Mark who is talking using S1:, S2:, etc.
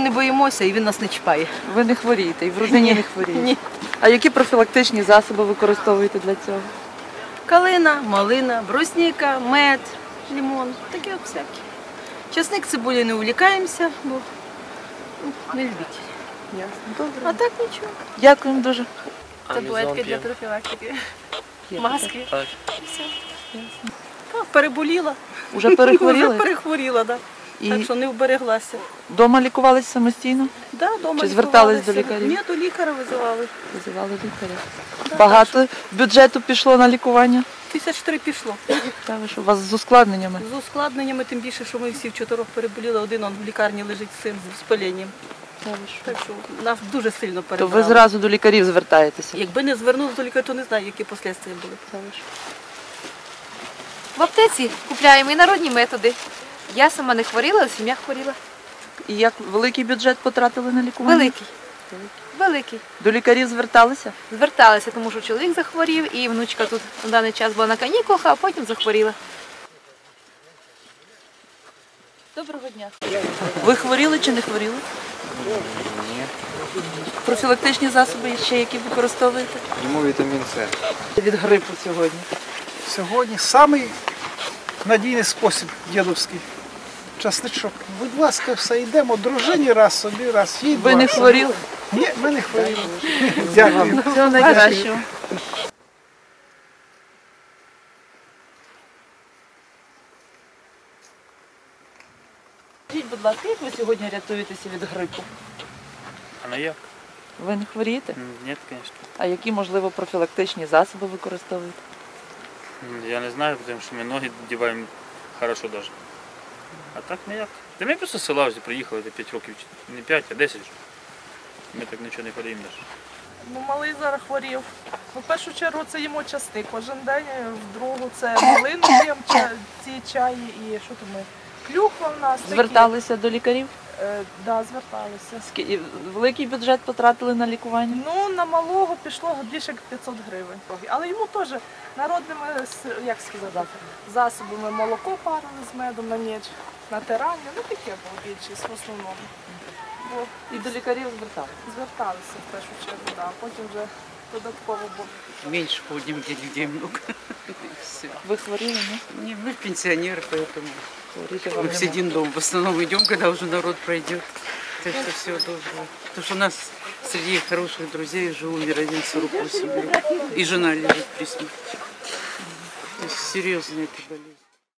S1: не боїмося і він нас не чіпає.
S2: Ви не хворієте і в родині не хворієте?
S1: Ні.
S2: А які профілактичні засоби використовуєте для цього?
S1: Калина, малина, брусніка, мед, лимон, такі от всякі. Часник, цибулі не увлікаємося, бо не любитель.
S2: Ясно. Добре.
S1: А так нічого.
S2: Дякуємо дуже.
S1: Таблетки для профілактики.
S2: Є
S1: Маски.
S3: Так.
S1: Все. Так, переболіла.
S2: Уже перехворіли?
S1: Вже перехворіла, так.
S2: І
S1: Так що не вбереглася.
S2: вдома лікувалися самостійно?
S1: Да, дома
S2: Чи звертались
S1: лікувалася.
S2: до лікарів?
S1: Ні, до лікаря визивали.
S2: Визивали лікаря. Багато бюджету пішло на лікування?
S1: 1003 пішло.
S2: Та ви що, у вас з ускладненнями?
S1: З ускладненнями, тим більше, що ми всі вчотирьох переболіли, один он в лікарні лежить з цим, з паленням.
S2: Та ви що?
S1: Так що нас дуже сильно
S2: То
S1: перебрали.
S2: ви зразу до лікарів звертаєтеся?
S1: Якби не звернулися до лікаря, то не знаю, які послідствия були.
S2: Та ви що?
S4: В аптеці купляємо і народні методи. Я сама не хворіла, а сім'я хворіла.
S2: І як великий бюджет потратили на лікування?
S4: Великий. Великий.
S2: До лікарів зверталися?
S4: Зверталася, тому що чоловік захворів і внучка тут на даний час була на канікулах, а потім захворіла.
S2: Доброго дня. Ви хворіли чи не хворіли?
S3: Ні.
S2: Профілактичні засоби ще які використовуєте?
S3: Йому вітамін С.
S2: Від грипу сьогодні.
S5: Сьогодні самий надійний спосіб дідовський. Часничок. Будь ласка, все йдемо. Дружині раз собі, раз їй.
S2: Ви не хворіли?
S5: Ні, ми не хворіли. Дякую.
S2: Всього найкращого. Скажіть, будь ласка, як ви сьогодні рятуєтеся від грипу?
S3: А ну як?
S2: Ви не хворієте?
S3: Ні, звісно.
S2: А які, можливо, профілактичні засоби використовуєте?
S3: Я не знаю, тому що ми ноги діваємо хорошо навіть. А так ніяк. Та ми просто з села вже приїхали до 5 років, не 5, а 10 вже. Ми так нічого не ходимо навіть.
S6: Ну, малий зараз хворів. Ну, в першу чергу це їмо часник кожен день, в другу це малину п'ємо, ці чаї і що там ми, клюква в нас.
S2: Зверталися до лікарів?
S6: Да, зверталися.
S2: І великий бюджет потратили на лікування?
S6: Ну, на малого пішло більше як 500 гривень. Але йому теж народними, як сказати, засобами молоко парили з медом на ніч, натирання, ну таке було більшість в основному. Бо
S2: І до лікарів зверталися?
S6: зверталися в першу чергу, да. Потім вже додатково було.
S7: Меньше ходим, где людей много. Все.
S2: Ви хворіли, ні?
S7: Не, мы пенсионеры, поэтому
S2: Хворіти вам
S7: мы
S2: нема.
S7: сидим дома. В основном идем, когда уже народ пройдет. Так что все должно. Потому что у нас среди хороших друзей уже умер один 48 лет. И жена лежит при смерти. То есть серьезная эта болезнь.